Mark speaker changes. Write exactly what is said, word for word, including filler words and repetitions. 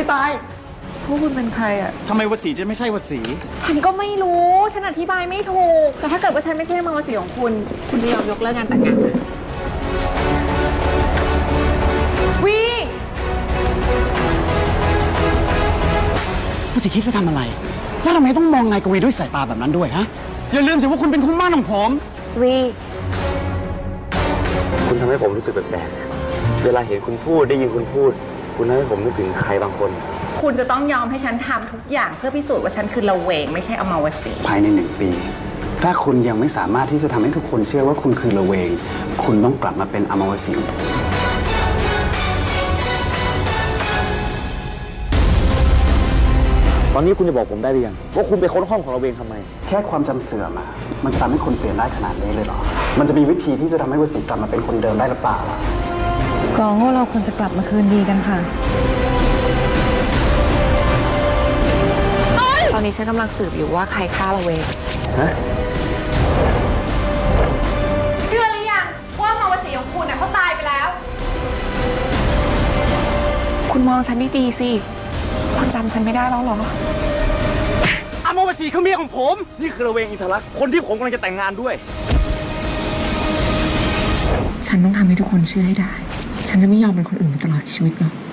Speaker 1: พี่ตายพวกคุณเป็นใครอะ
Speaker 2: ทำไมวสีจะไม่ใช่วสี
Speaker 1: ฉันก็ไม่รู้ฉันอธิบายไม่ถูกแต่ถ้าเกิดว่าฉันไม่ใช่มาวสีของคุณคุณจะยอมยกเลิกงานแต่งงานวิ
Speaker 2: วสีคิดจะทำอะไรแล้วทำไมต้องมองนายกวีด้วยสายตาแบบนั้นด้วยฮะอย่าลืมสิว่าคุณเป็นคู่หมั่นของผม
Speaker 1: วี
Speaker 3: คุณทำให้ผมรู้สึกแปลกๆเวลาเห็นคุณพูดได้ยินคุณพูด คุณทำให้ผมนึกถึงใครบางคน
Speaker 1: คุณจะต้องยอมให้ฉันทำทุกอย่างเพื่อพิสูจน์ว่าฉันคือละเวงไม่ใช่อมาวสี
Speaker 2: ภายในหนึ่งปีถ้าคุณยังไม่สามารถที่จะทำให้ทุกคนเชื่อว่าคุณคือละเวงคุณต้องกลับมาเป็นอมาวสี
Speaker 3: ตอนนี้คุณจะบอกผมได้หรือยังว่าคุณไปค้นห้องของเราเองทำไม
Speaker 2: แค่ความจำเสื่อมอะมันจะทำให้คนเปลี่ยนได้ขนาดนี้เลยเหรอมันจะมีวิธีที่จะทำให้วสีกลับมาเป็นคนเดิมได้หรือเปล่าล่ะ
Speaker 4: กองว่าเราควรจะกลับมาคืนดีกันค่ะ
Speaker 1: ตอนนี้ฉันกำลังสืบอยู่ว่าใครฆ่าละเวง
Speaker 3: ฮะ
Speaker 1: เชื่อหรือยังว่ามาวสีของคุณน่ะเขาตายไปแล้วคุณมองฉันดีๆสิคุณจำฉันไม่ได้แล้วหรอ
Speaker 2: อมาวสีคือเมียของผมนี่คือละเวงอินทรักษ์คนที่ผมกำลังจะแต่งงานด้วย
Speaker 1: ฉันต้องทำให้ทุกคนเชื่อให้ได้ฉันจะไม่ยอมเป็นคนอื่นไปตลอดชีวิตหรอก